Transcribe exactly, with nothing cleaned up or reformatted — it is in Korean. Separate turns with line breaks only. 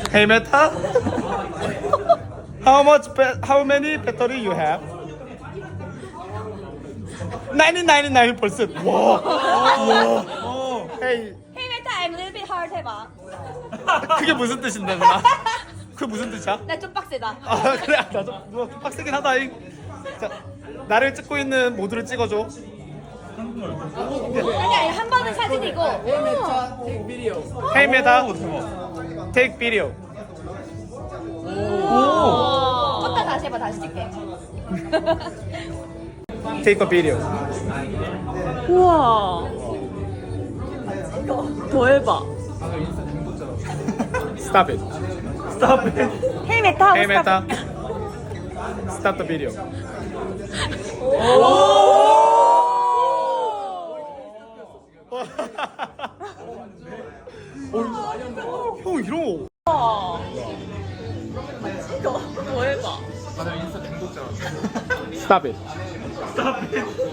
Hey Meta, how much? How many battery you have? ninety-nine percent. 와, 와. Hey,
Hey Meta, I'm a little bit hard 해봐.
그게 무슨 뜻인데 누나? 그게 무슨 뜻이야?
나 좀 빡세다.
아 그래, 나도 뭐 빡세긴 하다잉. 자, 나를 찍고 있는 모두를 찍어줘.
아니 아니 한 번은 사진이고.
Hey Meta, take video.
오. 껐다 다시 해봐 다시 찍게.
Take a video.
우와. 더 해봐.
Stop it. Stop it.
Hey Meta 하고
Hey
스탑.
Meta, stop the video. 어, 형 이런 거.
우와. 더, 더 해봐.
Stop it.